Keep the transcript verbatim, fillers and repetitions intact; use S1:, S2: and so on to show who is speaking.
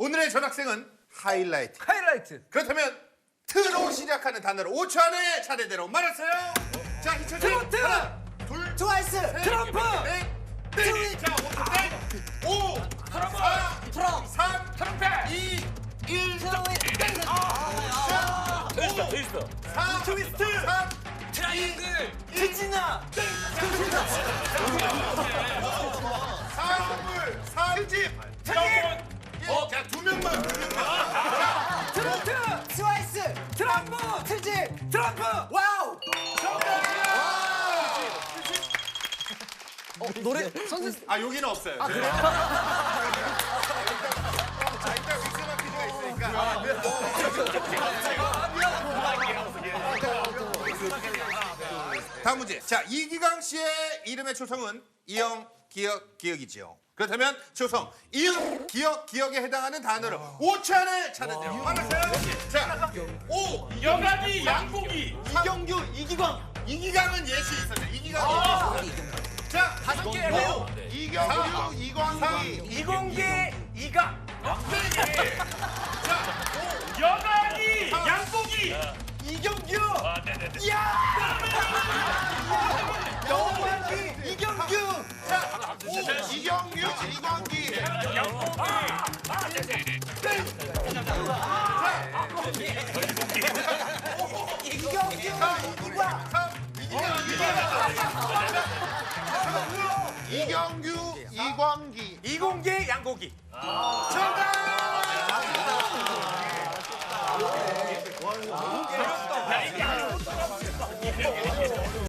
S1: 오늘의 전학생은 하이라이트.
S2: 하이라이트.
S1: 그렇다면 트로 시작하는 단어를 오 초 안에 차례대로 말하세요. 자, 희철 씨.
S2: 트로트.
S1: 하나, 둘,
S3: 트와이스.
S1: 셋,
S2: 트럼프.
S1: 넷, 넷. 자, 오 초 땡. 오, 사,
S3: 트럼.
S1: 삼,
S2: 트럼펫.
S1: 이, 일,
S2: 아,
S4: 됐어, 됐어.
S1: 사,
S2: 트위스트.
S1: 삼,
S2: 트라이앵글.
S3: 트지나.
S1: 사물, 삼집,
S2: 트림.
S1: 어, 자, 두 명만, 두 명만.
S2: 트로트.
S3: 트와이스.
S2: 트럼프.
S3: 트집.
S2: 트럼프.
S3: 와우.
S1: 어,
S3: 노래 선생
S1: 아, 여기는 없어요. 아, 그래요? 자, 일단 믹스마 퀴즈가 있으니까. 다음 문제. 자, 이기강 씨의 이름의 초성은 이영, 기억, 기억이지요. 그렇다면 초성 이응, 기억, 기억에 해당하는 단어를 오 초 안에 찾는대요. 말하세요. 자, 오,
S4: 여가기, 양고기.
S1: 이경규, 이기광. 이기강은 예시 있었네. 이기강이 예시 있었네. 자,
S2: 다섯 개 해요.
S1: 이경규, 이광기.
S2: 이공기 이가.
S4: 여가기, 양고기.
S2: 이경규.
S4: 아, 네네네.
S2: 영광기. 이경규.
S1: 이경규, 이광기.
S4: 양고기. 아, 네네.
S3: 이경규. 이광.
S1: 이경규, 이광기.
S2: 이공기 양고기.
S1: 정답!